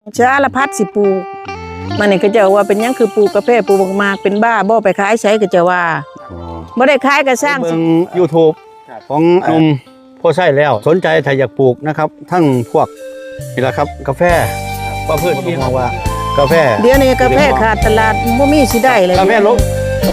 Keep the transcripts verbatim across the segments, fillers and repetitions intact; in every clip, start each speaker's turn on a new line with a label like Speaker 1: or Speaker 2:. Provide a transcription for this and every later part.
Speaker 1: สารพัดสิปลูกมันนี่ก็จะว่าเป็นยังคือปลูกกาแฟปลูกมากเป็นบ้าบ่ไปขายใช้ก็จะว่าบ่ได้ขายก็สร้าง
Speaker 2: เบิ่ง YouTube ของหนุ่มโพไซแล้วสนใจถ้าอยากปลูกนะครับทั้งพวกนี่แหละครับกาแฟว่าพืชที่มองว่ากาแฟ
Speaker 1: เดี๋ยวนี้กาแฟขาดตลาดบ่มีสิได้เลย
Speaker 2: กาแฟลง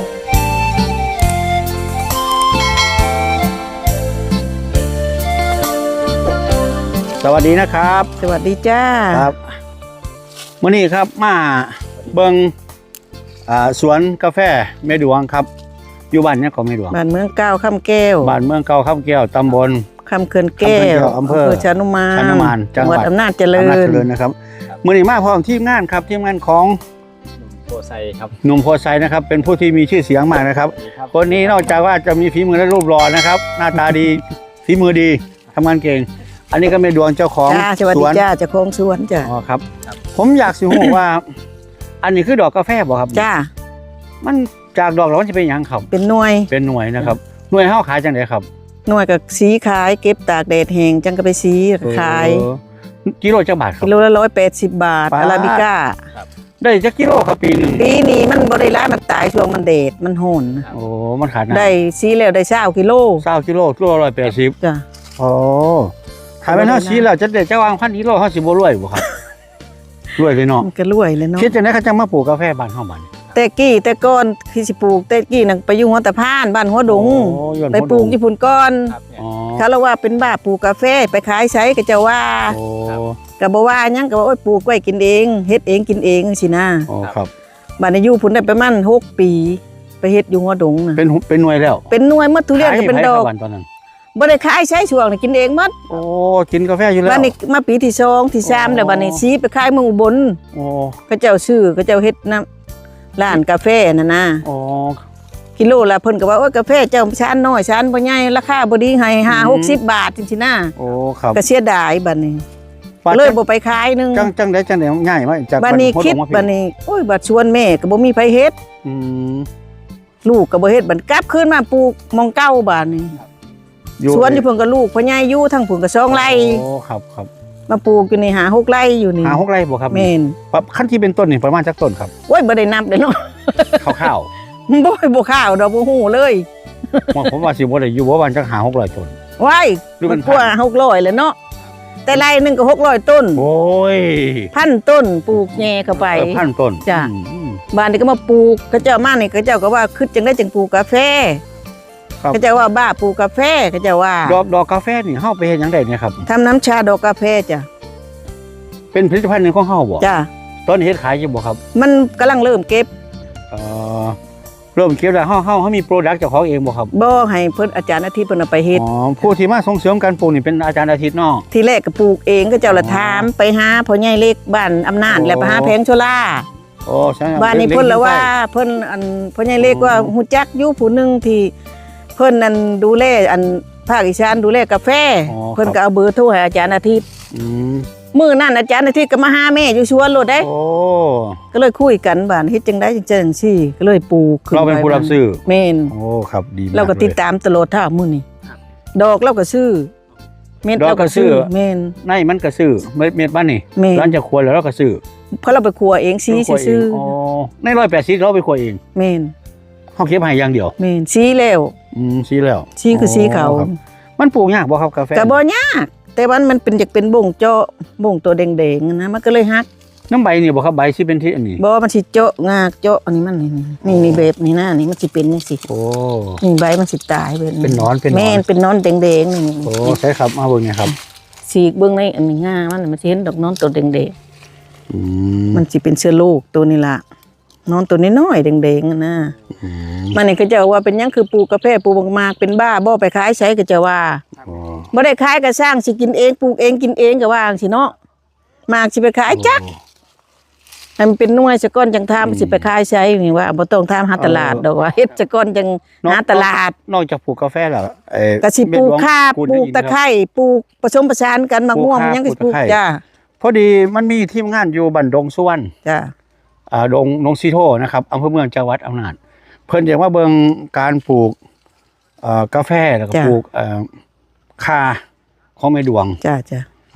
Speaker 2: สวัสดีนะครับ
Speaker 1: สวัสดีจ้า
Speaker 2: ครับมื้อนี้ครับมาเบิ่งอ่าสวนกาแฟแม่ดวงครับอยู่บ้านเนี่ยของแม่ดวง
Speaker 1: บ้านเมืองเก้าค่ำแก้ว
Speaker 2: บ้านเมืองเก่าคำแก้วตำบล
Speaker 1: คำเขื่อนแก้ว
Speaker 2: อำเภอ
Speaker 1: ชานุมาน
Speaker 2: ชานุมานจังหวัด
Speaker 1: อำนาจเจริ
Speaker 2: อำนาจ
Speaker 1: ญ
Speaker 2: เจริญนะครับมื้อนี้มาพร้อมทีมงานครับทีมงานของ
Speaker 3: โพไซครับ
Speaker 2: หนุ่มโพไซนะครับเป็นผู้ที่มีชื่อเสียงมากนะครับคนนี้นอกจากว่าจะมีฝีมือและรูปหล่อนะครับหน้าตาดีฝีมือดีทำงานเก่งอันนี้ก็เป็นดวงเจ้าของ
Speaker 1: จ้าสวัส
Speaker 2: ส
Speaker 1: ดี
Speaker 2: วน
Speaker 1: จ้าเจ้าของสวนจ้า
Speaker 2: อ๋อครับผมอยากสิรู้ว่า อันนี้คือดอกกาแฟบ่ครับ
Speaker 1: จ้า
Speaker 2: มันจากดอกแล้วมันจะเป็นหยังครับ
Speaker 1: เป็นหน่วย
Speaker 2: เป็นหน่วยนะครับหน่วยเฮาขายจังไดครับ
Speaker 1: หน่วยกับสีขายเก็บตากแดดแห้งจังก็ไปสีขาย
Speaker 2: เออกิโลจักบาทครับ
Speaker 1: กิโลละร้อยแปดสิบบาท
Speaker 2: บาท
Speaker 1: อาราบิก้า
Speaker 2: ได้จักกิโลครับปีหนึง
Speaker 1: ปีนี้มันบริร้ายมันตายช่วงมันเดดมันโหน
Speaker 2: โอ้มันขาดนะ
Speaker 1: ได้สีแล้วได้เช้ากิโล
Speaker 2: เก้ากิโลกิโลร้อยแปดสิบ
Speaker 1: จ้ะ
Speaker 2: โอ้ถ้าเป็นเฮาสีแล้วจะได้จะวางพันกิโลเฮาสิบ่รวยบ่ครับ รวยเลยเนาะ
Speaker 1: มันก็รวยเลยเนาะ
Speaker 2: คิดจังได๋เขาจะมาปลูกกาแฟบ้านเฮาบัดนี้
Speaker 1: แต่กี้แต่ก่อนคือสิปลูกแต่กี้นั่งไปอยู่หัวตะพานบ้านหัวดง
Speaker 2: โอ้ย้อน
Speaker 1: ไปปลูก
Speaker 2: หัวดง
Speaker 1: ญี่ปุ่นก่อน
Speaker 3: ครับเนี่ย
Speaker 2: อ๋อ
Speaker 1: เขาเล่าว่าเป็นบ้าปลูกกาแฟไปขายใช้ก็จะว่า
Speaker 2: โอ้
Speaker 1: ก็บ่ว่าหยังก็ว่าโอ้ยปลูกไว้กินเองเฮ็ดเองกินเองสินะ
Speaker 2: โอ้ครับ
Speaker 1: บ้านนี้อยู่พุ่นได้ประมาณหกปี ไปเฮ็ดอยู่หัวดงน่ะ
Speaker 2: เป็นหุเป็นหน่วยแล้ว
Speaker 1: เป็นหน่วยหมดทุเรียนก็เป็นดอก
Speaker 2: ขายให้ไผครับบ้านตอนนั้น
Speaker 1: บ่ได้ขายใช้ช่วงนี่กินเองหมด
Speaker 2: โอ้กินกาแฟอยู่แล้ว
Speaker 1: บ้านนี้มาปีที่สองที่สามแล้วบ้านนี้ซีไปขายเมืองอุบล
Speaker 2: โอ้
Speaker 1: เขาเจ้าซื้อเขาเจ้าเฮ็ดน้ำร้านกาแฟน่ะนะ
Speaker 2: โอ้
Speaker 1: กิโลละเพิ่นก็ว่าโอ้ยกาแฟเจ้าชานน้อยชานบ่ใหญ่ราคาบ่ดีให้ห้าหกสิบบาทจังซี่นะ
Speaker 2: โอ้ครับ
Speaker 1: ก็เสียดายบัดนี้
Speaker 2: ว่า
Speaker 1: เลย
Speaker 2: จัง
Speaker 1: บ่ไปขายนึง
Speaker 2: จังจังได้จังได้ง่ายไหมจาก
Speaker 1: บัดนี้
Speaker 2: หัว
Speaker 1: คิด
Speaker 2: ลงมา
Speaker 1: บัดนี้โอ้ยบัดชวนแม่ก็บ่มีไผเฮ็ด
Speaker 2: อืม
Speaker 1: ลูกก็บ่เฮ็ดบัดกลับคืนมาปลูกหมองเก่าบัดนี้สวนอยู่เพิ่นก็ลูกพ่อใหญ่อยู่ทั้งเพิ่นก็สองไร่
Speaker 2: โอ้ครับครับ
Speaker 1: มาปลูกอยู่นี่หาหกไร่อยู่นี่
Speaker 2: หาหกไร่บ่ครับ
Speaker 1: แม่น
Speaker 2: ปรับขั้นที่เป็นต้นนี่ประมาณจักต้นครับ
Speaker 1: โอ้ยบ่ได้นับเด้อเนาะ
Speaker 2: ข้าว
Speaker 1: บ่บ่ข้าวดอกบ่ฮู้เลย
Speaker 2: ๆผมผมว่าสิบ่ได้อยู่บ่ว่าจักหาหกร้อยต้น
Speaker 1: ว้าย
Speaker 2: หรือมั
Speaker 1: มัน นกว่าหกร้อยแล้วเนาะแต่ไร่หนึงก็หกร้อยต้น
Speaker 2: โอ้ย
Speaker 1: พันต้นปลูกแย่เข้าไป
Speaker 2: เออพันต้น
Speaker 1: จ้ะ
Speaker 2: อืม
Speaker 1: บ้านนี้ก็มาปลูกเขาเจ้ามานี่เขาเจ้าก็ว่าคิดจังได้จังปลูกกาแฟ
Speaker 2: ครับ
Speaker 1: เขาเจ้าว่าบ้าปลูกกาแฟเขาเจ้าว่า
Speaker 2: ดอกดอกกาแฟนี่เฮาไปเฮ็ดหยังได้เนี่ยครับ
Speaker 1: ทำน้ำชาดอกกาแฟจ้ะ
Speaker 2: เป็นผลิตภัณฑ์หนึงของเฮาบ่
Speaker 1: จ้ะ
Speaker 2: ตอนนี้เฮ็ดขายอยู่บ่ครับ
Speaker 1: มันกำลังเริ่มเก็บ
Speaker 2: เอ่อเริ่มเก็บแล้วเฮาเฮาเฮามีโปรดักต์เจ้าของเองบ่ครับ
Speaker 1: บ่ให้เพิ่นอาจารย์อาทิตย์เพิ่นเอาไปเฮ็ด
Speaker 2: อ๋อผู้ที่มาส่งเสริมการปลูกนี่เป็นอาจารย์อาทิตย์เนาะ
Speaker 1: ทีแรกก็ปลูกเองก็เจ้าละ
Speaker 2: อ๋อ
Speaker 1: ถามไปหาพ่อใหญ่เล็กบ้านอำนาจ
Speaker 2: โอ้
Speaker 1: แล้วไปหาแพงโชล่า
Speaker 2: โอ้ใช่
Speaker 1: บ้านนี้เพิ่นละว่าเพิ่นอันพ่อใหญ่เล็กว่าฮู้จักอยู่ผู้หนึงที่เพิ่นนั่นดูแลอันภาคอีสานดูแลกาแฟเพิ่นก็เอาเบอร์โทรให้อาจารย์อาทิตย์
Speaker 2: อืม
Speaker 1: มื้อนั้นอาจารย์อาทิตย์ก็มาหาแม่อยู่สวนโลดเด้
Speaker 2: โอ้
Speaker 1: ก็เลยคุยกันบ้านเฮ็ดจังได๋จังจังซี่ก็เลยปลูกขึ้
Speaker 2: เราเป็นผู้รับซื้อ
Speaker 1: แม่น
Speaker 2: โอ้ครับดีมาก
Speaker 1: เราก็ติดตามตลอดท่ามื้อนี้ดอกเราก็ซื้อเม็ด
Speaker 2: ดอก
Speaker 1: เรา
Speaker 2: ก็
Speaker 1: ก็
Speaker 2: ซื้
Speaker 1: ซื้
Speaker 2: อ
Speaker 1: อแม่น
Speaker 2: ในมันก็ซื้อเม็ดเม็ดบ้านนี่
Speaker 1: แม่น
Speaker 2: ร้านจะครัวแล้วเราก็ซื้อ
Speaker 1: เพราะเราไปครัวเองซี
Speaker 2: เราครัวเง
Speaker 1: ซื้อ
Speaker 2: อ๋อในร้อยแปดสิบเราไปครัวเอง
Speaker 1: แม่น
Speaker 2: เขาเก็บให้อย่างเดียว
Speaker 1: แม่นซีแล้ว
Speaker 2: อืมซีแล้ว
Speaker 1: ซีคือซีเขา
Speaker 2: ครับมันปลูกยากบ่ครับกาแฟ
Speaker 1: ก็บ่ยากแต่ว่ามันเป็นอยากเป็นบ่งเจาะบ่งตัวแดงๆนะมันก็เลยฮัก
Speaker 2: น้ำใบนี่บ่ครับใบสิเป็นที่อันนี้
Speaker 1: บ่มันสิเจาะงากเจาะอันนี้มันนี่นี่นี่แบบนี้นะนี่มันสิเป็นจังซี่
Speaker 2: โอ้
Speaker 1: นี่ใบมันสิตายแบบ
Speaker 2: เป็นหนอนเป็นหนอน
Speaker 1: แม่นเป็นหนอนแดงๆนี่
Speaker 2: โอ้ใช่ครับมาเบิ่งเนี่ยครับ
Speaker 1: สีกเบิ่งในอันนี้ง่ามันมันสิเห็นดอกหนอนตัวแดงๆ
Speaker 2: อืม
Speaker 1: มันสิเป็นเชื้อโรคตัวนี้ล่ะนอนตัวน้อยๆแดงๆอะนะ
Speaker 2: อืม
Speaker 1: มันนี่ก็จะว่าเป็นหยังคือปลูกกาแฟปลูกมากๆเป็นบ้าบ่ไปขายใช้ก็จะว่า
Speaker 2: โอ้
Speaker 1: บ่ได้ขายก็สร้างสิกินเองปลูกเองกินเองก็ว่าจังซี่เนาะมากสิไปขายจักให้มันเป็นหน่วยซะก่อนจังทำสิไปขายใช้นี่ว่าบ่ต้องทำหาตลาดดอกว่าเฮ็ดซะก่อนจังหาตลาด
Speaker 2: นอกจากปลูกกาแฟแล้วเอ่อ
Speaker 1: ก็สิปลูกข่า
Speaker 2: พูด
Speaker 1: ปลูก
Speaker 2: ได้ยิน
Speaker 1: ตะไคร้ปลูกผสมผสานกันมะม่วง
Speaker 2: ปลูกข่า
Speaker 1: ยังก็สิป
Speaker 2: ปลู
Speaker 1: ลู
Speaker 2: ก
Speaker 1: ก
Speaker 2: ตะไคร้
Speaker 1: จ้า
Speaker 2: พอดีมันมีทีมงานอยู่บันดงสุวรรณ
Speaker 1: จ้า
Speaker 2: อ่าดงดงซีโทนะครับอำเภอเมืองจังหวัดอำนาจเพิ่นอยากว่าเบิ่งการปลูกเอ่อกาแฟแล้วก็ปลูกเอ่อคาของแม่ดวง
Speaker 1: จ้าจ้า
Speaker 2: เอ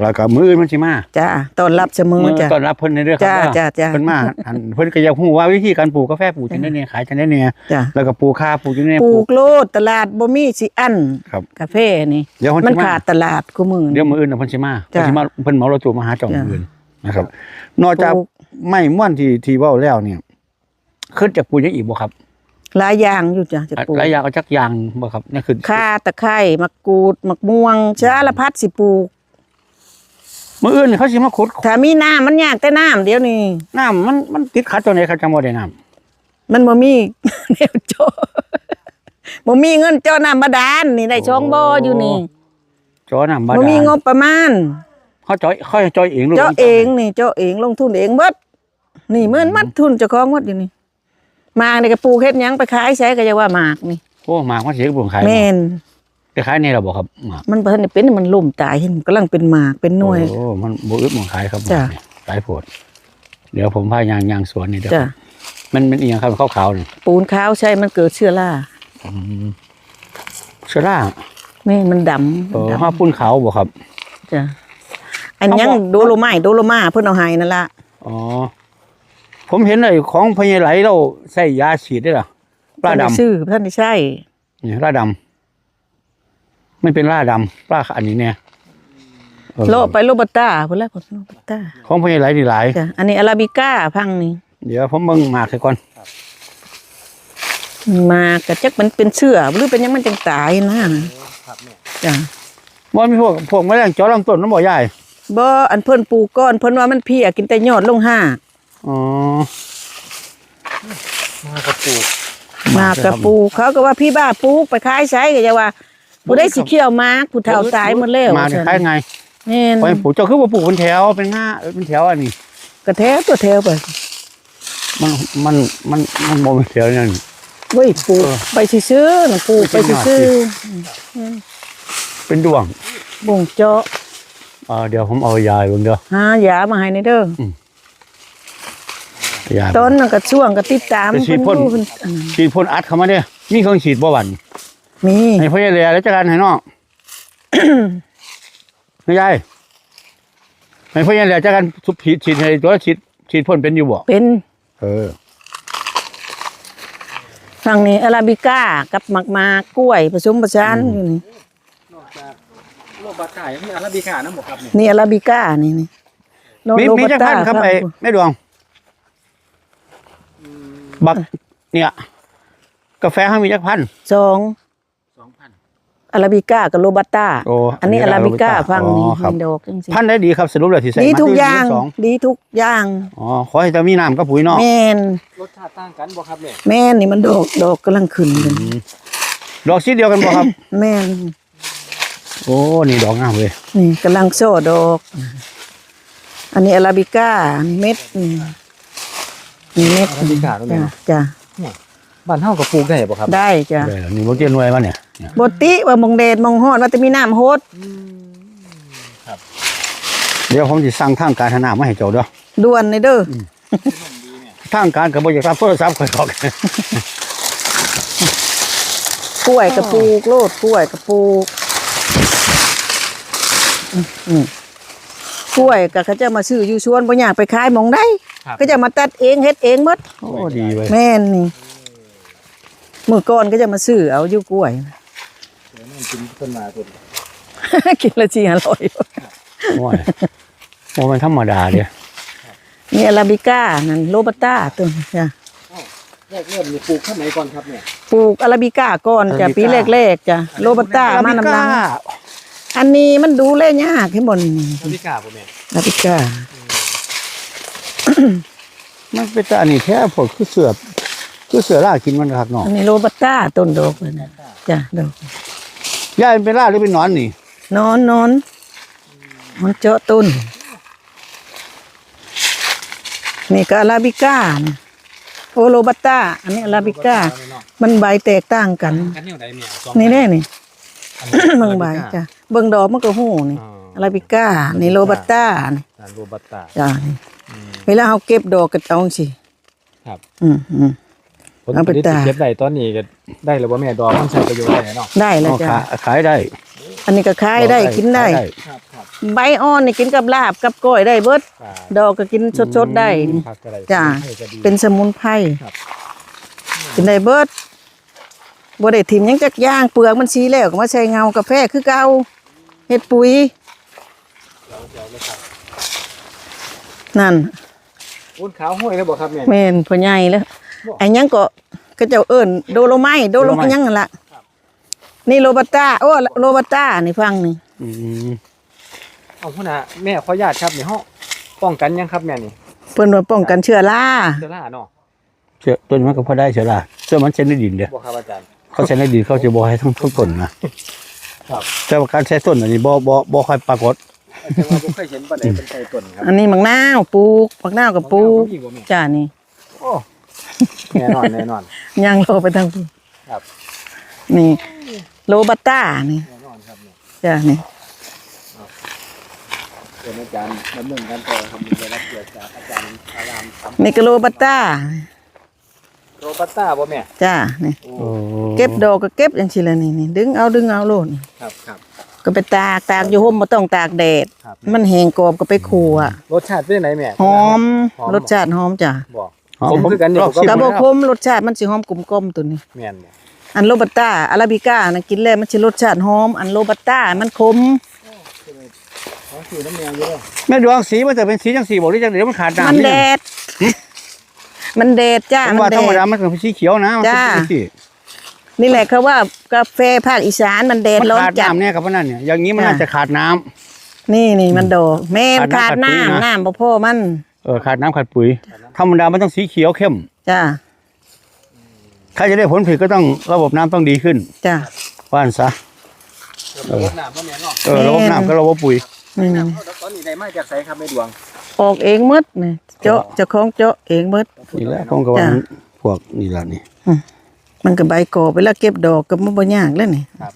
Speaker 2: แล้วก็มื้ออื่นมันสิมา
Speaker 1: จ้าต้อนรับเสมอ
Speaker 2: มื้อ
Speaker 1: จ้า
Speaker 2: ต้อนรับเพิ่นในเรื่อง
Speaker 1: จ้าจ้าจ้า
Speaker 2: เพิ่นมาอันเพิ่นก็อยากฮู้ว่าวิธีการปลูกกาแฟปลูกจังได๋เนี่ยขายจังได๋เนี่ย
Speaker 1: จ้า
Speaker 2: แล้วก็ปลูกข้าวปลูกจังได๋
Speaker 1: ปลูกโลดตลาดบ่มีสิอัน
Speaker 2: ครับ
Speaker 1: กาแฟนี่
Speaker 2: เดี๋ยวเพิ่น
Speaker 1: มัน
Speaker 2: สิมา
Speaker 1: ขาดตลาดกูมือ
Speaker 2: เดี๋ยวมื้ออื่นน่ะเพิ่นสิมาเพิ่น
Speaker 1: จ้ะ
Speaker 2: สิมาเพิ่นเหมารถตู้มาหาเจ้า
Speaker 1: จ้ะ
Speaker 2: มื้ออื่นนะครับ นอกจาก
Speaker 1: ปลูก
Speaker 2: ไม้ม่วนที่ที่เว้าแล้วเนี่ยขึ้นจากปลูกยังอีกบ่ครับ
Speaker 1: หลายอย่างอยู่จ้าจะปลูก
Speaker 2: หลายอย่างเอาจักอย่างบ่ครับนี่คือ
Speaker 1: ข่าตะไคร้มะกรูดมะม่วงสารพัดสิปลูก
Speaker 2: มื้ออื่นเขาสิมาขุด
Speaker 1: ถ้ามีน้ำมันยากแต่น้ำเดี๋ยวนี้
Speaker 2: น้ำมันมันติดขัดตัวไหนครับจังบ่ได้น้ำ
Speaker 1: มันบ่มี แนวโจบ่มีเงินเจ้าน้ำบาดาลนี่ได้ช่องบ่อยู่นี่
Speaker 2: จอน้ำบาดาล
Speaker 1: บ่มีงบประมาณ
Speaker 2: เขาจอยเขาจอยเองลูก
Speaker 1: เจ้าเองนี่เจ้าเองลงทุนเองเบิดนี่เหมือนมัดทุนเจ้าของหมดอยู่นี่หมากนี่ก็ปลูกเฮ็ดหยังไปขายใช้ก็จะว่าหมากนี่
Speaker 2: โอ้หมากมันสิบ่ขาย
Speaker 1: แม่น
Speaker 2: ไปขายในเราบ่ครับหมาก
Speaker 1: มันบ่ทันได้เป็นมันล่มตายเห็นกำลังเป็นหมากเป็นหน่วย
Speaker 2: โอ้มันบ่อึดบ่ขายครับ
Speaker 1: จ้ะ
Speaker 2: หลายโพดเดี๋ยวผมพายางยางสวนนี่เดี๋ยว
Speaker 1: จ้ะ
Speaker 2: มันมันอีหยังครับขาวๆนี่
Speaker 1: ปูนขาวใช่มันเกิดเชื้อรา
Speaker 2: อืมเชื้อรา
Speaker 1: แม่นมันดำ
Speaker 2: เออ
Speaker 1: ดำ
Speaker 2: ห้าปุ้นขาวบ่ครับ
Speaker 1: จ้ะอันยัง
Speaker 2: เขาบอก
Speaker 1: โดโลไม้โดโลมาเพิ่นเอาให้นั่นล่ะ
Speaker 2: อ๋อผมเห็นไอ้ของพญาไหลเราใส่ยาฉีดได้ล่ะปลา
Speaker 1: ท่านได้
Speaker 2: ดำ
Speaker 1: ซื้อท่านได้ใช้
Speaker 2: นี่ปลาดำไม่เป็นปลาดำปลาอันนี้เนี่ยเออ
Speaker 1: โลไปโลบัตตาพุ่นละพุ่นโลบัตตา
Speaker 2: ของพญาไหลนี่หลาย
Speaker 1: จ้ะอันนี้อาราบิก้าพังนี่
Speaker 2: เดี๋ยวผมเบิ่งหมากให้ก่อน
Speaker 1: มากก็จักมันเป็นเชื้อหรือเป็นหยังมันจังตายนะครับ
Speaker 3: แม่
Speaker 1: จ้ะ
Speaker 2: บ่มีพวกพวกแมลงเจาะลำต้นมันบ่ใหญ่
Speaker 1: บ่อันเพิ่นปลูกก้อนเพิ่นว่ามันเพียกินแต่ยอดลงห้า
Speaker 2: อ๋อ
Speaker 3: มากระปลูก
Speaker 1: มากกะปลูกเขาก็ว่าพี่บ้าปลูกไปขายใช้ก็จะว่าผู้ได้สิเขี้ยวมากผู้เฒ่าตายหมดแล้ว
Speaker 2: มาเนี่ยคล้ายไง
Speaker 1: แม่น
Speaker 2: พอปลูกเจ้าคือว่าปลูกเป็นแถวเป็นง่าเป็นแถวอันนี้
Speaker 1: กระแทกตัวแถวไป
Speaker 2: มันมันมันมันบ่เป็นแถวนั่น
Speaker 1: เว้ยปลูกไปซื่อๆน่ะปลูกไปซื่อ
Speaker 2: เป็นดวง
Speaker 1: ๆบ่งเจาะ
Speaker 2: เออเดี๋ยวผมเอายาเบิ่งเด้อ
Speaker 1: หายามาให้ในเด้อย
Speaker 2: า
Speaker 1: ตอนนั้นก็ช่วงก็ติดตาม
Speaker 2: ไปฉีดพ่น
Speaker 1: เพิ่นอันนั้น
Speaker 2: ฉีดพ่นอัดเข้ามาเด้อมีเครื่องฉีดบ่หวัน
Speaker 1: มี
Speaker 2: ให้พ่อใหญ่แลแล้วจัดการให้น้อง ไม่ใช่ให้พ่อใหญ่แลจัดการทุบฉีดฉีดให้ตัวฉีดฉีดพ่นเป็นอยู่บ่
Speaker 1: เป็น
Speaker 2: เออ
Speaker 1: ฝั่งนี้อาราบิก้ากับหมากมากกล้วยผสมผสานอยู่นี่
Speaker 3: นอกจากโรคบาดไก่ยังมีอาราบิก้านะหมอครับเนี่ย
Speaker 1: นี่อาราบิก้านี่นี่โน
Speaker 2: มี
Speaker 1: โล
Speaker 2: มี
Speaker 1: บัต
Speaker 2: จัก
Speaker 1: ตา
Speaker 2: พันครับไอ้แม่ดวง บักเนี่ย กาแฟเขามีจักพัน
Speaker 1: สอง
Speaker 3: สองพัน
Speaker 1: อาราบิก้ากับโรบัตตา
Speaker 2: โอ้
Speaker 1: อันนี้
Speaker 2: อั
Speaker 1: อาน
Speaker 2: นี้
Speaker 1: ราบิก้า
Speaker 2: อาราบิก้า
Speaker 1: ฟังนี่
Speaker 2: อ๋อครับ
Speaker 1: มีดอกจังซี่
Speaker 2: พันได้ดีครับสรุปแล้วที่ใส่
Speaker 1: ดี
Speaker 2: มา
Speaker 1: ทุก
Speaker 2: ที่
Speaker 1: อย่าง
Speaker 2: สอง
Speaker 1: ดีทุกอย่าง
Speaker 2: อ๋อขอให้จะมีน้ำกับปุ๋ยเนาะ
Speaker 1: แม่น
Speaker 3: รสชาติต่างกันบ่ครับเนี่ย
Speaker 1: แม่นนี่มันดอกดอกกำลังขึ้นเลย
Speaker 2: ดอกสีเดียวกันบ่ครับ
Speaker 1: แม่น
Speaker 2: โอ้นี่ดอกงามเลย
Speaker 1: นี่กำลังโซ่ดอก อันนี้อาราบิก้านี่เม็ดนี่นี่เม็ด
Speaker 3: อาราบิก้าตรงนี้
Speaker 1: จ้ะ
Speaker 3: เนาะ
Speaker 1: จ้ะ
Speaker 3: บ้านเฮาก็ปลูกได้บ่ครับ
Speaker 1: ได้จ้ะ
Speaker 2: ได้แล้วนี่บ่เตียนหน่วยมาเนี่ยเนี่ย
Speaker 1: บติว่ามงเดชมงฮอดว่าจะมีน้ำโฮด
Speaker 2: เดี๋ยวผมสิสั่งทางการธนามาให้เจ้าเด้อ
Speaker 1: ด่วนเลยเด้ออ
Speaker 2: ทางการก็บ่อยากรับโทรศัพท์ข่อยหรอก
Speaker 1: กล้วยกระปูกโลดกล้วยกระปูกอืมอืมกล้วยก็เขาจะมาซื้ออยู่ชวนบ่อยากไปขายหมองได้
Speaker 3: ครับ
Speaker 1: ก็จะมาตัดเองเฮ็ดเองหมด
Speaker 2: โอ้ดีเว้ย
Speaker 1: แม่นนี่มื้อก่อนก็จะมาซื้อเอาอยู่กล้วย
Speaker 3: เดี๋ยวนั่นกินต้นมาต้น
Speaker 1: กินและจีอร่อย
Speaker 2: โอ้ยโอ้มันธรรมดาเด้อ
Speaker 1: นี่อาราบิก้านั่นโรบัสต้าตัวนี้จ้ะ
Speaker 3: แรกเริ่มนี่ปลูกข้างไหนก่อนครับเนี่ย
Speaker 1: ปลูกอาราบิก้าก่อนจ้ะปีแรกๆจ้ะโรบัสต้ามานำหลังอันนี้มันดูแลยากให้บ่นี่
Speaker 3: อาราบิก้าบ่แม่
Speaker 1: อาราบิก้า
Speaker 2: มันเป็นแต่อันนี้แท้พวกคือเสือบคือเสือล่ากินมันคักเนาะ
Speaker 1: อันนี้โรบัสต้าต้นดอกเลยนะจ้ะดอก
Speaker 2: ยายมันเป็นล่าหรือเป็นหนอนนี่
Speaker 1: นอนนอนมันเจาะต้นนี่ก็อาราบิก้านะโอโรบัสต้าอันนี้อาราบิก้ามันใบแตกต่างกัน
Speaker 3: กันแนวใดเนี่ยสอง
Speaker 1: นี่แน่นี่
Speaker 3: อันนี้
Speaker 1: เบิ่งใบจ้ะเบิ่งดอกมันก็หู้นี่
Speaker 3: อ๋อ
Speaker 1: อาราบิก้านี่โรบัสต้านี่
Speaker 3: อ่าโรบัสต้า
Speaker 1: จ้ะนี่เวลาเฮาเก็บดอกก็เอาจังซี่
Speaker 3: ครับ
Speaker 1: อืมอืม
Speaker 3: ผล
Speaker 1: เอา
Speaker 3: ผ
Speaker 1: ไป
Speaker 3: ลิต
Speaker 1: ตาก
Speaker 3: ที่เก็บได้ตอนนี้ก็ได้แล้วบ่แม่ดอกมันใช้ประโยชน์ได้เนาะ
Speaker 1: ได้แล้ว
Speaker 2: เอา
Speaker 1: จ้ะ
Speaker 2: ขาขายได้
Speaker 1: อันนี้ก็ขายได้กินได้
Speaker 3: ครับครับ
Speaker 1: ใบอ่อนนี่กินกับลาบกับก้อยได้เบิด
Speaker 3: ครับ
Speaker 1: ดอกก็กินสดๆได้
Speaker 3: ผักอะไร
Speaker 1: จ้า
Speaker 3: ให้ก็ดี
Speaker 1: เป็นสมุนไพร
Speaker 3: ครับ
Speaker 1: กินได้เบิดบ่ได้ถิ่มหยังจักอย่างเปลือกมันสีแล้วก็มาใส่เงากาแฟคือเก่าเฮ็ดปุ๋ยนั่น
Speaker 3: ปูนขาวห้วยแล้วบ่ครับแม่
Speaker 1: แม่นพ่อใหญ่แล้วไอ้หยังก็ก็เจ้าเอิ้นโดโลไมต์โดโลไมต์หยังนั่นล่ะนี่โรบัสต้าโอ้โรบัสต้านี่ฟังนี่
Speaker 2: อืม
Speaker 3: เอาพุ่นน่ะแม่ขออนุญาตครับนี่เฮาป้องกันยังครับแม่นี่
Speaker 1: เพิ่นว่าป้องกันเชื้อรา
Speaker 3: เชื้อราเนาะ
Speaker 2: เชื่อต้นมันก็พอได้เชื่อละเชื่อมันเช่นในดินเด้อ
Speaker 3: บ่ครับอาจารย์
Speaker 2: เขาใช้ในดินเขาจะบ่ให้ทั้งทั้งต้นนะครับ แต่ว่าการใช้ต้นอันนี้บ่บ่บ่ค่อยปรากฏ
Speaker 3: แต่ว่าบ่เคยเห็นปานใดเป็นไก่ต้นครับ
Speaker 1: อันนี้มักนาวปลูกมักนาวก็ปลูก
Speaker 3: มีบ่แม่
Speaker 1: จ้านี่
Speaker 3: โอ้แน่นอนแน่นอน
Speaker 1: ย่างโลไปทางพุ่น
Speaker 3: ครับ
Speaker 1: นี่โรบัสต้านี่
Speaker 3: แน่นอนครับแม่
Speaker 1: จ้านี่
Speaker 3: เป็นอาจารย์ดำเนินการต่อทำได้รับเกียรติจากอาจารย์อารามค
Speaker 1: นี่ก็โรบัสต้า
Speaker 3: ำโรบัสต้าบ่แม่
Speaker 1: จ้านี่
Speaker 3: โอ้
Speaker 2: โอ้
Speaker 1: เก็บดอกก็เก็บจังซี่ล่ะนี่นี่ดึงเอาดึงเอาโลดนี่
Speaker 3: ครับครับ
Speaker 1: ก็ไปตากตากอยู่ห่มบ่ต้องตากแดด
Speaker 3: ครับ
Speaker 1: มันแห้งกรอบก็ไปคั่ว
Speaker 3: รสชาติเป็นจังไดแม่
Speaker 1: หอม
Speaker 3: หอม
Speaker 1: รสชาติหอมจ้ะ
Speaker 3: บ่
Speaker 2: หอ
Speaker 3: ผมคือกันอยู่
Speaker 2: ลอง
Speaker 3: ผม
Speaker 2: ชิม
Speaker 1: กระ
Speaker 2: ดู
Speaker 1: บอ
Speaker 2: นะ
Speaker 1: คมรสชาติมันสิหอมกลมๆตัวนี้
Speaker 3: แม่นบ่
Speaker 1: อันโรบัสต้าอาราบิก้านะกินแล้วมันสิรสชาติหอม อันโรบัสต้ามันขม
Speaker 3: ขอคือน้ำแมวอยู่เด้อ
Speaker 2: แม่ดวงสีมันจะเป็นสีจังสีบอกหรือจังเดี๋ยวมันขาดน้ำ
Speaker 1: มัน
Speaker 2: นี่
Speaker 1: แดด มันแดดจ้า
Speaker 2: ผม
Speaker 1: มัน
Speaker 2: ว่า
Speaker 1: แด
Speaker 2: ธรรมดา
Speaker 1: ด
Speaker 2: มันเป็นสีเขียวนะมันเป็น
Speaker 1: จ้า
Speaker 2: สีสี
Speaker 1: นี่แหละเขาว่ากาแฟภาคอีสานมันแดด
Speaker 2: มัน
Speaker 1: ร้อน
Speaker 2: ขาด
Speaker 1: จัด
Speaker 2: น้ำเนี่ยครับเพราะนั่นเนี่ยอย่างนี้มัน
Speaker 1: จ้า
Speaker 2: น่าจะขาดน้ำ
Speaker 1: นี่นี่มันโดดแม่น
Speaker 2: ขา
Speaker 1: ขา
Speaker 2: ด
Speaker 1: ด
Speaker 2: น้ำขาดปุ๋ยนะ
Speaker 1: น้ำน้ำบ่พอมัน
Speaker 2: เออขาดน้ำขาดปุ๋ยธรรมดามันต้องสีเขียวเข้ม
Speaker 1: จ้า
Speaker 2: ถ้าจะได้ผลผลิตก็ต้องระบบน้ำต้องดีขึ้น
Speaker 1: จ้า
Speaker 2: ว่านซะ
Speaker 3: รสน้ำบ่แม่นเนาะ
Speaker 2: เออระบบน้ำก็ระบบปุ๋ย
Speaker 1: นี่นี่
Speaker 3: ตอนนี้ได้มาจากไสครับแม่ดวง
Speaker 1: ออกเองหมดนี่เจาะเจ้าของเจาะเองหมด
Speaker 2: นี่แหละผมก็ว่า
Speaker 1: จ้า
Speaker 2: มันพวกนี่แหละนี่
Speaker 1: มันก็ใบกอไปแล้วเก็บดอกก็บ่บ่ยากแล้วนี่
Speaker 3: ครับ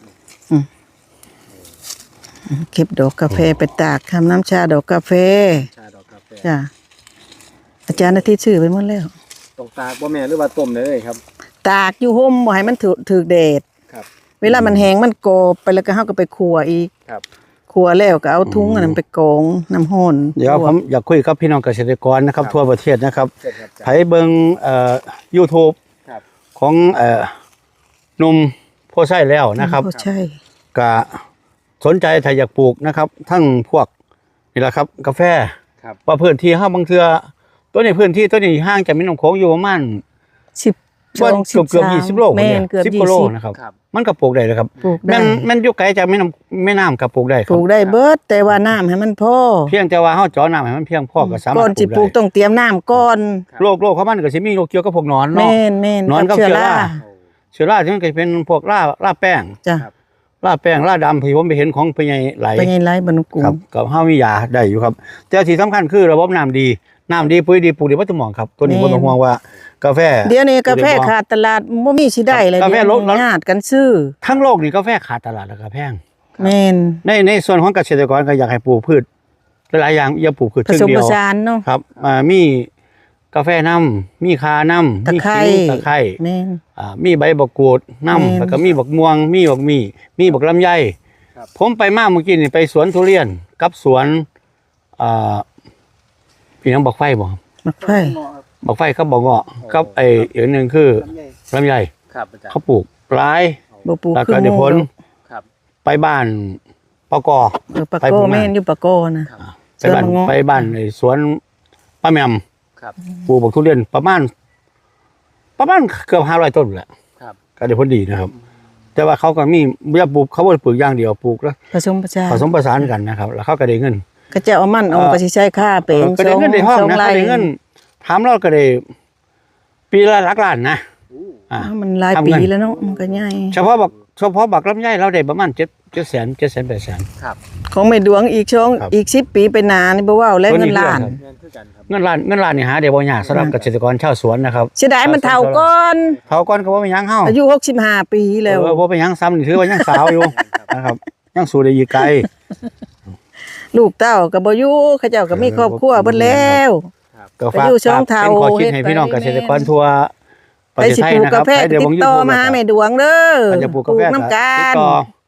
Speaker 1: เก็บดอกกาแฟไปตากทำน้ำชาดอกกาแฟ
Speaker 3: ชาดอกกาแฟ
Speaker 1: จ้าอาจารย์อาทิตย์ชื่อไปหมดแล้ว
Speaker 3: ตกตากบ่แม่หรือว่าต้มได้เลยครับ
Speaker 1: ตากอยู่ห่มบ่ให้มันถูกถูกแดด
Speaker 3: ครับ
Speaker 1: เวลามันแห้งมันกรอบไปแล้วก็เฮาก็ไปคั่วอีก
Speaker 3: ครับ
Speaker 1: คั่วแล้วก็เอาถุงอันนั้นไปกรองน้ำร้อน
Speaker 2: เดี๋ยวผมอยากคุยกับพี่น้องเกษตรกรนะครับ ทั่วประเทศนะครับ
Speaker 3: เสร็จครับอาจาร
Speaker 2: ไผ
Speaker 3: ย์
Speaker 2: เบิ่งเอ่อ YouTube
Speaker 3: ครับ
Speaker 2: ของเอ่อหนุ่มโพไส้แล้วนะครับ
Speaker 1: โอ้ใช่
Speaker 2: ก็สนใจถ้าอยากปลูกนะครับ ทั้งพวกนี่แหละครับกาแฟ
Speaker 3: ครับ
Speaker 2: ว่าพื้นที่ห้าบางเทือตัวนี้พื้นที่ตัวนี้ห่างจากแม่น้ำโขงอยู่ประมาณ
Speaker 1: สิบ
Speaker 2: ว่า
Speaker 1: สอง
Speaker 2: เกือบเกือบ
Speaker 1: สาม
Speaker 2: ยี่สิบโล
Speaker 1: แม่น
Speaker 2: เนี่ย
Speaker 1: เกือบ
Speaker 2: สิบ
Speaker 1: ยี่
Speaker 2: กิโล
Speaker 1: สิบ
Speaker 2: นะครับ
Speaker 3: ครับ
Speaker 2: มันก็ปลูกได้เลยครับ
Speaker 1: ปลูกได้
Speaker 2: แม่นแม่นอยู่ไกลจากแม่น้ำแม่น้ำกับปลูกได้ค
Speaker 1: ป
Speaker 2: รับ
Speaker 1: ลูกได้เบิดแต่ว่าน้ำให้มันพอ
Speaker 2: เพียงแต่ว่าเฮาเจาะน้ำให้มันเพียงพอก็สา
Speaker 1: ก่
Speaker 2: มา
Speaker 1: อ
Speaker 2: ร
Speaker 1: น
Speaker 2: ถ
Speaker 1: สิ
Speaker 2: ป
Speaker 1: ป
Speaker 2: ลู
Speaker 1: ลู
Speaker 2: ก
Speaker 1: ก
Speaker 2: ได้
Speaker 1: ต้องเตรียมน้ำก่อน
Speaker 2: โรคโรคของมันก็สิมีโรคเกี่ยวกับพวกหนอนเนาะ
Speaker 1: แม่นแม่น
Speaker 2: นอนกับ
Speaker 1: เชื้อ
Speaker 2: เชื้อ
Speaker 1: รา
Speaker 2: รา เชื้อราที่มันก็เป็นพวกราราแป้ง
Speaker 1: จ้ะ
Speaker 2: ราแป้งราดำที่ผมไปเห็นของพญายไหล
Speaker 1: ไปไงไรบรรกุ
Speaker 2: ครับกับห้ามียาได้อยู่ครับแต่ที่สำคัญคือระบบน้ำดีน้ำดีปุ๋ยดีปลูกดีวัตถุหมองครับตัวนี้บ่ต้องห่วงว่ากาแฟ
Speaker 1: เดี๋ยวนี้กาแฟขาดตลาดบ่มีสิได้เลย
Speaker 2: กาแฟ
Speaker 1: เดี๋ยว
Speaker 2: ลด
Speaker 1: นี้ญาติกันซื้อ
Speaker 2: ทั้งโลกนี่กาแฟขาดตลาดแล้วก็แพง
Speaker 1: แม่น
Speaker 2: ในในส่วนของเกษตรกรก็อยากให้ปลูกพืชหลายๆอย่างอย่าปลูกพืช
Speaker 1: ผ
Speaker 2: เชิง
Speaker 1: สม
Speaker 2: เดี
Speaker 1: ผ
Speaker 2: ยว
Speaker 1: สานเนาะ
Speaker 2: ครับอ่ามีกาแฟน้ำมีคาน้ำ
Speaker 1: ตะ
Speaker 2: มี
Speaker 1: ไคร้
Speaker 2: ขิงตะไคร้
Speaker 1: แม่น
Speaker 2: อ่ามีใบบักกูด
Speaker 1: แม่น
Speaker 2: น้ำแล้วก็มีบักม่วง มีบักมีมีบักลำไย
Speaker 3: ครับ
Speaker 2: ผมไปมาเมื่อกี้นี่ไปสวนทุเรียนกับสวนอ่าพี่น้องบักไฟบ่ครับ
Speaker 1: มักไฟ
Speaker 2: บักไฟเขาบอกเงาะกับไอ้อีกอันหนึ่งคือลำไย
Speaker 3: ครับอาจารย์
Speaker 2: เขาปลูกหลาย
Speaker 1: บ่ปลูก
Speaker 2: แล้ว
Speaker 1: คือ
Speaker 2: ก็ได้ผล
Speaker 1: หมู่
Speaker 3: ครับ
Speaker 2: ไปบ้านปก
Speaker 1: เออปะ
Speaker 2: ไป
Speaker 1: โก
Speaker 2: ปลูกมา
Speaker 1: แม่นอยู่ปะโกนะ
Speaker 2: ไปบ้าน
Speaker 1: สวนมะเงาะ
Speaker 2: ไปบ้านไอ้สวนป้าแหมม
Speaker 3: ครับ
Speaker 2: ปลูกบักทุเรียนประมาณ ประมาณเกือบห้าร้อยต้นแหละ
Speaker 3: ครับ
Speaker 2: ก็ได้ผลดีนะครับ แต่ว่าเขาก็มีไม่ได้ปลูกเขาบ่ได้ปลูกอย่างเดียวปลูกแล้ว
Speaker 1: ผสมผสาน
Speaker 2: ผสมผสานกันนะครับ แล้วเขาก็ได้เงิน
Speaker 1: ก็จะเอามันเอา
Speaker 2: เอ่อ
Speaker 1: ก็สิใช้ค่าเป็น
Speaker 2: ก็ได้เงินในห้อง
Speaker 1: สอง
Speaker 2: นะ
Speaker 1: ไร่
Speaker 2: ก็ได้เงินถามเราก็ได้ปีละหลักล้านนะอ่า
Speaker 1: อ้าวมันหลาย
Speaker 2: ทำ
Speaker 1: ปี
Speaker 2: เงิน
Speaker 1: แล้วเนาะมันก็ใหญ่
Speaker 2: เฉพาะบักเฉพาะบักลำไยเราได้ประมาณเจ็ดเจ็ดแสนเจ็ดแสนแปดแสน
Speaker 3: ครับ
Speaker 1: ของแม่ดวงอีกช่อง
Speaker 2: ครับ
Speaker 1: อีกสิบปีไปหนานี่บ่เว้าแล้ว
Speaker 2: ตัวนี้
Speaker 1: เงินล้าน
Speaker 2: เรื่องครับ
Speaker 3: เงินคือกันครับ
Speaker 2: เงินล้านเงินล้านนี่หาได้บ่ยากสำหรับเกษตรกรชาวสวนนะครับ
Speaker 1: เสียดายมันเฒ่าก่อน
Speaker 2: เฒ่าก่อนก็บ่เป็นหยังเฮา
Speaker 1: อายุหกสิบห้าปีแล้ว
Speaker 2: เออบ่เป็นหยังซ้ำนี่ถือว่ายังสาวอยู่นะครับยังสู้ได้อีกไกล
Speaker 1: ลูกเต้าก็บ่อยู่เขาเจ้าก็มีครอบครัวเบิดแล้ว
Speaker 2: ก็ฝาก
Speaker 1: ไปอยู่ช่อง
Speaker 2: ฝากเป็น
Speaker 1: เทา
Speaker 2: ข้อคิดให้
Speaker 1: เฮ็ดไป
Speaker 2: พี่น้องเกษตรกรทั่วประ
Speaker 1: ไป
Speaker 2: เทศ
Speaker 1: สิ
Speaker 2: ไทย
Speaker 1: ปลูก
Speaker 2: นะค
Speaker 1: กา
Speaker 2: รับ
Speaker 1: แฟ
Speaker 2: ใคร
Speaker 1: ก็
Speaker 2: เดี๋ยว
Speaker 1: ติ
Speaker 2: ผม
Speaker 1: ด
Speaker 2: อยู่
Speaker 1: ต่อ
Speaker 2: ทั่ว
Speaker 1: มาหา
Speaker 2: ครับ
Speaker 1: แม่ดวงเด้อ
Speaker 2: ใครจะปลูกกาแฟ
Speaker 1: น้ำกั
Speaker 2: ติด
Speaker 1: น
Speaker 2: ต่อ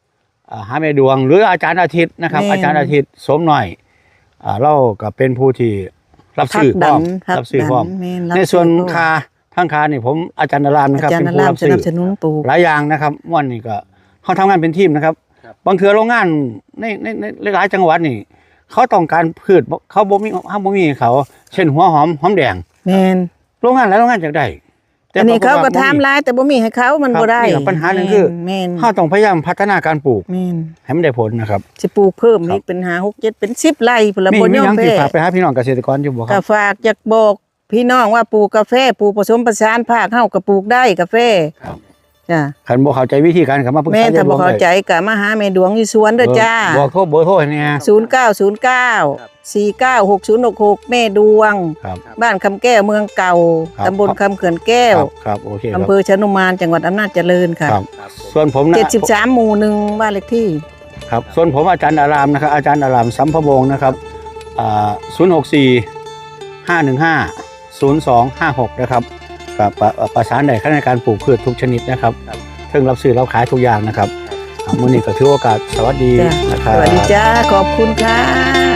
Speaker 2: อ่าหาแม่ดวงหรืออาจารย์อาทิตย์นะครับ อาจารย์อาทิตย์สมหน่อยอ่าเราก็เป็นผู้ที่รับซื้อพร้อมรับซื้อพร้อมในส่วนคาทั้งคานี่ผมอาจารย์นรามนะครับ
Speaker 1: อาจารย์
Speaker 2: เป็น
Speaker 1: น
Speaker 2: ผู้
Speaker 1: ราม
Speaker 2: รับ
Speaker 1: ส
Speaker 2: ซื้อ
Speaker 1: นับสนุนปลูก
Speaker 2: หลายอย่างนะครับม่วนนี่ก็เขาทำงานเป็นทีมนะครับบางเทือโรงงานในในในหลายจังหวัดนี่เขาต้องการพืชเขาบ่มีเขาบ่มีเขา เช่นหัวหอมหอมแดง
Speaker 1: แม่น
Speaker 2: โรงงานหลายโรงงานจากได้แต่
Speaker 1: อันนี้เขาก็
Speaker 2: ปรฏว่
Speaker 1: ทำหลายแต่บ่มีให้เขามัน
Speaker 2: ครับ
Speaker 1: บ่ได้
Speaker 2: นี่ก็ปัญหาหนึ่งคือ
Speaker 1: แม่น
Speaker 2: เขาต้องพยายามพัฒนาการปลูก
Speaker 1: แม่น
Speaker 2: ให้มันได้ผลนะครับ
Speaker 1: สิปลูกเพิ่ม
Speaker 2: ครับ
Speaker 1: อีกเป็นห้า หก เจ็ดเป็นสิบไร่พุ่นละ
Speaker 2: มี
Speaker 1: บ่
Speaker 2: มี
Speaker 1: ยอ
Speaker 2: ห
Speaker 1: ม
Speaker 2: ยังที่
Speaker 1: แพ้
Speaker 2: ฝากไปหาพี่น้องเกษตรกรอยู่บ่ค
Speaker 1: ก็
Speaker 2: รับ
Speaker 1: ฝากอยากบอกพี่น้องว่าปลูกกาแฟปลูกผสมผสานภาคเฮาก็ปลูกได้กาแฟ
Speaker 2: ครับ
Speaker 1: จ้ะ
Speaker 2: คันบ่เข้าใจวิธีการก็มาปรึกษา
Speaker 1: แม่ถ้าบ่
Speaker 2: ยยดวง
Speaker 1: เข้า
Speaker 2: ได้
Speaker 1: ใจก็มาหาแม่ดวงอยู่สวนเด้อจ้า
Speaker 2: เออบอกโทรเบอร์โทรให้แหน่
Speaker 1: ศูนย์เก้า ศูนย์เก้า สี่เก้า หกศูนย์หกหก แม่ดวง
Speaker 2: ครับ
Speaker 1: บ้านคำแก้วเมืองเก่า
Speaker 2: ครับ
Speaker 1: ตำบลคำเขื่อนแก้ว
Speaker 2: ครับครับโอเคครับ
Speaker 1: อำเภอชนุมานจังหวัดอำนาจเจริญค่ะ
Speaker 2: ครับ ส่วนผมนะ
Speaker 1: เจ็ดสิบสามหมู่หนึ่งบ้านเลขที่
Speaker 2: ครับส่วนผมอาจารย์อารามนะครับอาจารย์อารามสัมภวงศ์นะครับอ่าศูนย์หกสี่ ห้าหนึ่งห้า ศูนย์สองห้าหกนะครับกับประประสานได้ขั้นในการปลูกพืชทุกชนิดนะครับซึ่งรับซื้อรับขายทุกอย่างนะครับอ่ามื้อนี้ก็ถือโอกาสสวัสดี
Speaker 1: จ้ะ
Speaker 2: นะครับ
Speaker 1: สวัสดีจ้า ขอบคุณค่ะ